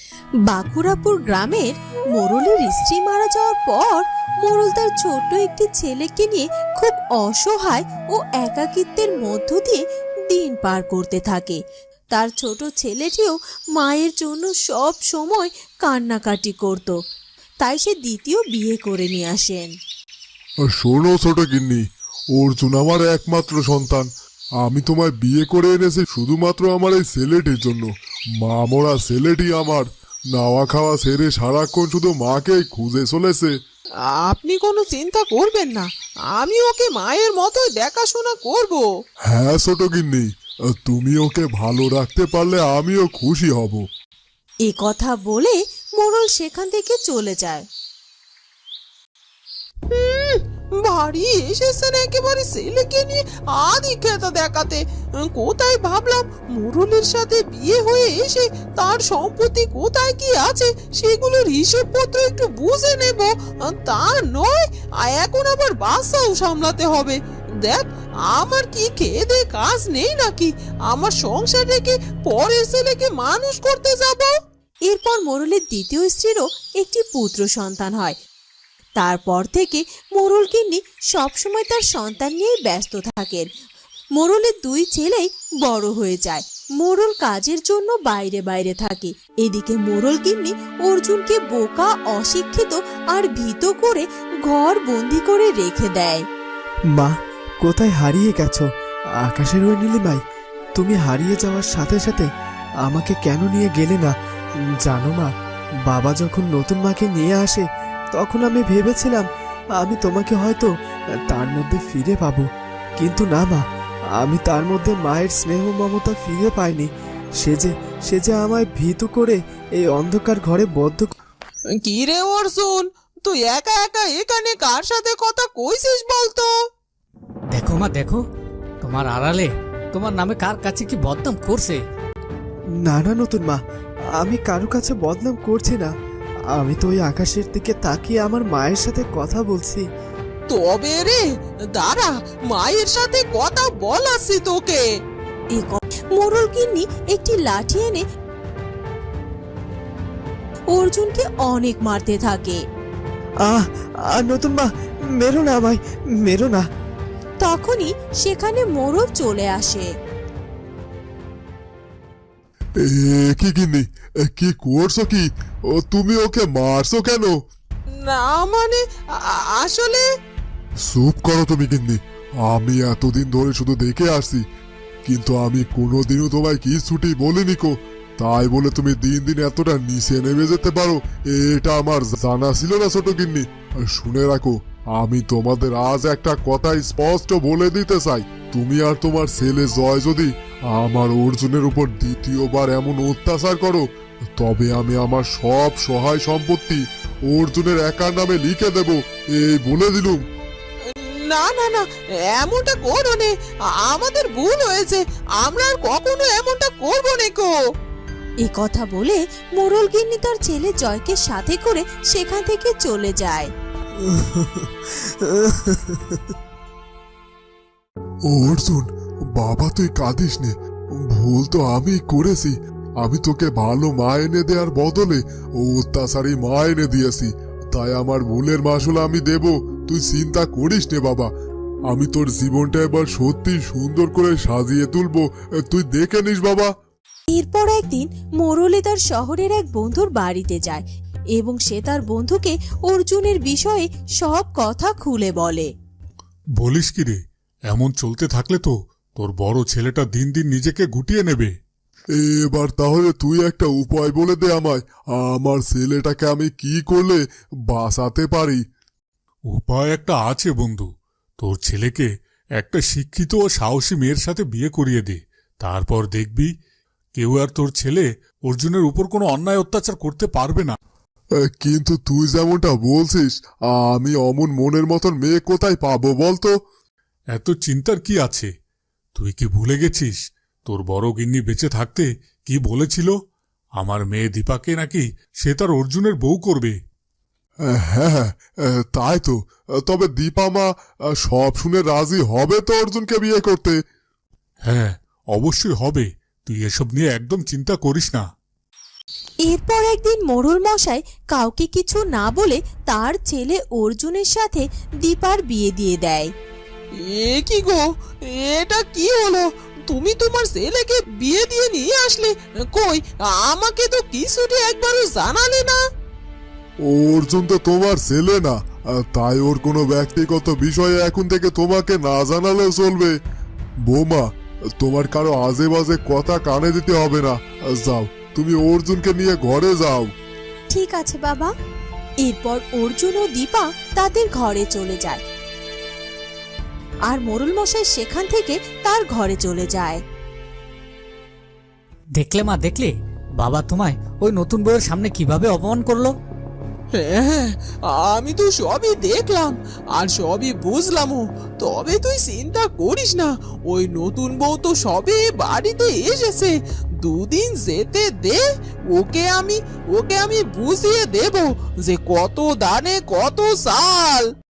বাঁকুড়াপুর গ্রামের মোড়লের স্ত্রী মারা যাওয়ার পর মোড়ল তার ছোট্ট একটি ছেলেকে নিয়ে খুব অসহায় ও একাকিত্বের মধ্য দিয়ে দিন পার করতে থাকে। তার ছোট ছেলেটিও মায়ের জন্য সব সময় কান্নাকাটি করত, তাই সে দ্বিতীয় বিয়ে করে নিয়ে আসেন। শোনো ছোট গিন্নি, অর্জুন আমার একমাত্র সন্তান। আমি তোমায় বিয়ে করে এনেছি শুধুমাত্র আমার এই ছেলেটির জন্য। মা মরা ছেলেটি আমার নাওয়া খাওয়া ছেড়ে সারাক্ষণ শুধু মাকেই খুঁজে চলেছে। আপনি কোনো চিন্তা করবেন না, আমি ওকে মায়ের মতোই দেখাশোনা করব। হ্যাঁ ছোট গিন্নি, তুমি ওকে ভালো রাখতে পারলে আমিও খুশি হব। এ কথা বলে মোড়ল সেখান থেকে চলে যায়। বাড়ি এসেছেন একেবারে ছেলেকে নিয়ে আদি খেতা দেখাতে। কোথায় ভাবলাম মোড়লের সাথে বিয়ে হয়ে এসে তার সম্পত্তি কোথায় কি আছে সেগুলোর হিসেবপত্র একটু বুঝে নেব, তা নয় এখন আবার বাচ্চাও সামলাতে হবে। দেখ, আমার কি খেয়ে দে কাজ নেই নাকি? আমার সংসার রেখে পরের ছেলেকে মানুষ করতে যাব? এরপর মোড়লের দ্বিতীয় স্ত্রীরও একটি পুত্র সন্তান হয়। তারপর থেকে মোড়ল গিন্নি সবসময় তার সন্তান নিয়ে ব্যস্ত থাকেন। মোড়লের দুই ছেলেই বড় হয়ে যায়। মোড়ল কাজের জন্য বাইরে বাইরে থাকে। এদিকে মোড়ল গিন্নি অর্জুনকে বোকা, অশিক্ষিত আর ভীত করে ঘর বন্দি করে রেখে দেয়। মা, কোথায় হারিয়ে গেছো? আকাশের ওই নীলিমাই, তুমি হারিয়ে যাওয়ার সাথে সাথে আমাকে কেন নিয়ে গেলে না? জানো মা, বাবা যখন নতুন মাকে নিয়ে আসে তখন আমি ভেবেছিলাম আমি তোমাকে হয়তো তার মধ্যে ফিরে পাবো, কিন্তু না মা, আমি তার মধ্যে মায়ের স্নেহ মমতা ফিরে পাইনি। সে যে আমায় ভীত করে এই অন্ধকার ঘরে বদ্ধ। কি রে অর্জুন, তুই একা একা এখানে কার সাথে কথা কইছিস বলতো? দেখো মা, দেখো তোমার আড়ালে তোমার নামে কার কাছে কি বদনাম করছে। না না নতুন মা, আমি কারো কাছে বদনাম করছি না। আমি তো ওই আকাশের দিকে তাকিয়ে আমার মায়ের সাথে কথা বলছি। তবে রে, দাঁড়া, মায়ের সাথে কথা বলাছি তোকে। মোড়ল গিন্নি একটি লাঠি এনে অর্জুনকে অনেক মারতে থাকে। আহ নতুন মা, মেরো না আমায়, মেরো না। তখনই সেখানে মোড়ল চলে আসে। কি গিন্নি, কি করছো কি? তুমি ওকে মারছো কেন? না মানে আসলে চুপ করো তুমি গিন্নি। আমি এতদিন ধরে শুধু দেখে আসছি, কিন্তু আমি কোনোদিনও তোমায় কি ছুটি বলিনি কো। তাই বলে তুমি দিন দিন এতটা নিচে নেমে যেতে পারো, এটা আমার জানা ছিল না ছোট গিন্নি। শুনে রাখো, আমি তোমাদের আজ একটা কথা স্পষ্ট বলে দিতে চাই। তুমি আর তোমার ছেলে জয় যদি আমার অর্জুনের উপর দ্বিতীয়বার এমন অত্যাচার করো, তবে আমি আমার সব সহায় সম্পত্তি অর্জুনের একার নামে লিখে দেব, এই বলে দিলুম। না না না, এমনটা করো নে, আমাদের ভুল হয়েছে, আমরা আর কখনো এমনটা করবো না কো। এ কথা বলে মোড়ল গিন্নি তার ছেলে জয়কে সাথে করে সেখান থেকে চলে যায়। অর্জুন বাবা, তুই কাঁদিস নে। ভুল তো আমি করেছি। আমি তোকে ভালো মা এনে দেওয়ার বদলে অত্যাচারী মা এনে দিয়েছি, তাই আমার ভুলের মাসুল আমি দেব। তুই চিন্তা করিস নে বাবা, আমি তোর জীবনটা এবার সত্যি সুন্দর করে সাজিয়ে তুলবো, তুই দেখে নিস বাবা। এরপর একদিন মোড়লে তার শহরের এক বন্ধুর বাড়িতে যায় এবং সে তার বন্ধুকে অর্জুনের বিষয়ে সব কথা খুলে বলে। বলিস কি রে, এমন চলতে থাকলে তো তোর বড় ছেলেটা দিন দিন নিজেকে গুটিয়ে নেবে। এবার তাহলে তুই একটা উপায় বলে দে আমায়, আমার ছেলেটাকে আমি কি করলে বাঁচাতে পারি? উপায় একটা আছে বন্ধু, তোর ছেলেকে একটা শিক্ষিত ও সাহসী মেয়ের সাথে বিয়ে করিয়ে দে। তারপর দেখবি কেউ আর তোর ছেলে অর্জুনের উপর কোনো অন্যায় অত্যাচার করতে পারবে না। কিন্তু তুই যেমনটা বলছিস, আমি অমন মনের মতন মেয়ে কোথায় পাবো বলতো? এত চিন্তার কি আছে? তুই কি ভুলে গেছিস তোর বড় গিন্নি বেঁচে থাকতে কি বলেছিল? আমার মেয়ে দীপাকে নাকি সে তার অর্জুনের বউ করবে। হ্যাঁ, তাই তো। তবে দীপা মা সব শুনে রাজি হবে তো অর্জুনকে বিয়ে করতে? হ্যাঁ, অবশ্যই হবে। তুই এসব নিয়ে একদম চিন্তা করিস না। এরপর একদিন মোড়ল মশাই কাউকে কিছু না বলে তার ছেলে অর্জুনের সাথে দীপার বিয়ে দিয়ে দেয়। এ কি গো, এটা কি হলো? তুমি তোমার ছেলেকে বিয়ে দিয়ে নিয়ে আসলে, কই আমাকে তো কিছুটি একবারও জানালে না। অর্জুন তো তোমার ছেলে না, তাই ওর কোনো ব্যক্তিগত বিষয়ে এখন থেকে তোমাকে না জানালেও চলবে। বৌমা, তোমার কারো আজে বাজে কথা কানে দিতে হবে না। যাও, তুমি অর্জুনকে নিয়ে ঘরে যাও। ঠিক আছে বাবা। এরপর অর্জুন ও দীপা তাদের ঘরে চলে যায় আর মোড়ল মশাই সেখান থেকে তার ঘরে চলে যায়। দেখলে মা, দেখলে বাবা তোমায় ওই নতুন বউয়ের সামনে কিভাবে অপমান করলো। হ্যাঁ, আমি তো সবই দেখলাম আর সবই বুঝলামও। তবে তুই চিন্তা করিস না, ওই নতুন বউ তো সবে বাড়িতে এসেছে। দুদিন যেতে দে, ওকে আমি বুঝিয়ে দেব যে কত দানে কত চাল।